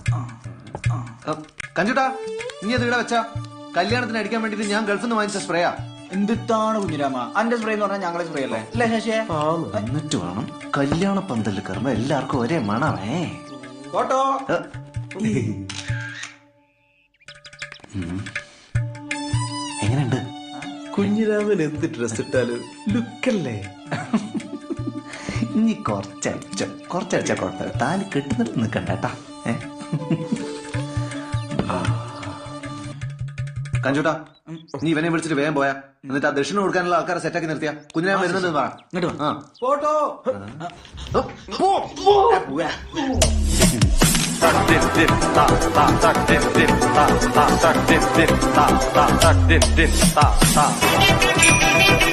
കഞ്ചുട്ടാ നീ അത് ഇവിടെ വെച്ചാ കല്യാണത്തിന് അടിക്കാൻ വേണ്ടിട്ട് ഞാൻ ഗൾഫിൽ നിന്ന് വാങ്ങിച്ച സ്പ്രേയാ. എന്തിട്ടാണ് കുഞ്ഞിരാമ അന്റെ സ്പ്രേ എന്ന് പറഞ്ഞാൽ ഞങ്ങളെ സ്പ്രേ അല്ലേ അല്ലേ ശശിയെ? എന്നിട്ട് വേണം കല്യാണ പന്തലിൽ കയറുമ്പോ എല്ലാവർക്കും ഒരേ മണമേ. ഫോട്ടോ എങ്ങനെയുണ്ട് കുഞ്ഞിരാമൻ എന്ത് ഡ്രസ് ഇട്ടാലും ലുക്കല്ലേ? ഇനി കുറച്ചടിച്ച കുഴപ്പമില്ല. താലി കെട്ടുന്നിട്ട് നിക്കണ്ടേട്ടാ. കഞ്ചൂട്ടാ നീ ഇവനെ വിളിച്ചിട്ട് വേഗം പോയാ, എന്നിട്ട് ആ ദക്ഷിണ കൊടുക്കാനുള്ള ആൾക്കാരെ സെറ്റാക്കി നിർത്തിയാ. കുഞ്ഞിനെ വരുന്നത് പറ. Photo Ta